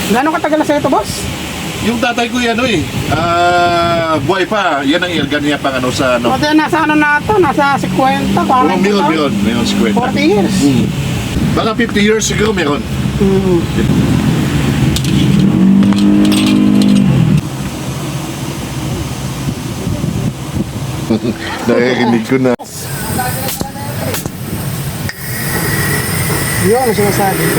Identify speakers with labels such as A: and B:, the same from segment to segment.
A: Gano'ng katagal na sa'yo ito, boss?
B: Yung tatay ko yan, buhay pa. Yan ang ilgan niya pang ano sa ano.
A: Pati nasa ano na ito, nasa 50, parang
B: Meron si Kwenta.
A: 40 years.
B: Baka 50 years ago meron. Nakikinig ko na.
A: Yun ang sinasabi ko.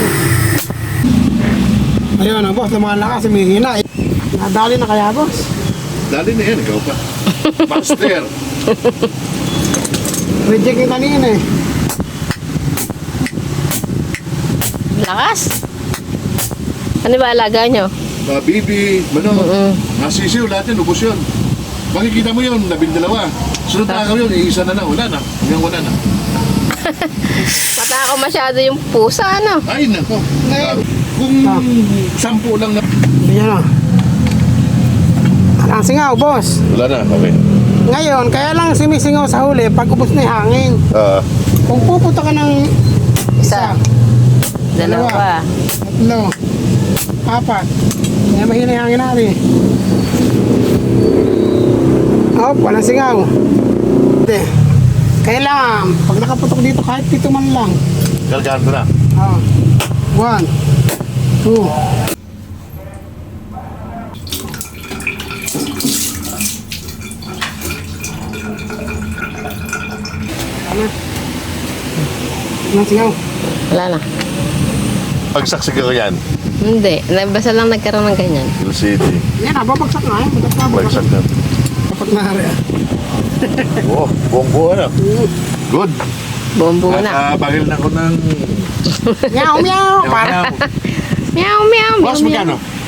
A: Ayun na, boss, lumalakas, humihina. Nadali na kaya, boss?
B: Dali na yan, ikaw pa. Master.
A: Reject yung kanina eh.
C: Lakas. Ano ba alaga nyo?
B: Bibi, nasisiw lahat yun, ubos yun. Makikita mo yun, 12. Sunod na yun, iisa na lang, wala na. Hanggang wala na.
C: Matakaw masyado yung pusa, ano?
B: Ay, nako. Kung 10 lang na.
A: Yan o. Ang singaw, boss.
B: Wala na, okay.
A: Ngayon, kaya lang simisingaw sa huli pag ubos na yung hangin. Kung pupunta ka ng
C: Isa. Dalawa.
A: 3, 4, kaya mahina yung hangin natin. Walang singaw. Hindi. Kailangan, pag nakaputok dito, kahit 7 man lang.
B: Galgaan ko na.
A: 1, 2. Walang singaw.
C: Wala na.
B: Pagsaksik ko yan.
C: Hindi. Basta lang nagkaroon ng ganyan.
B: Hill City.
A: Yan, babagsak na eh.
B: Bagsak na.
A: Dapat na rin.
B: Oh, buong buo na. Good.
C: Bombo na.
B: Nakabagil na ko ng...
A: Meow, meow. Para.
C: Meow, meow, meow,
B: Boss,
C: meow.
B: magkano?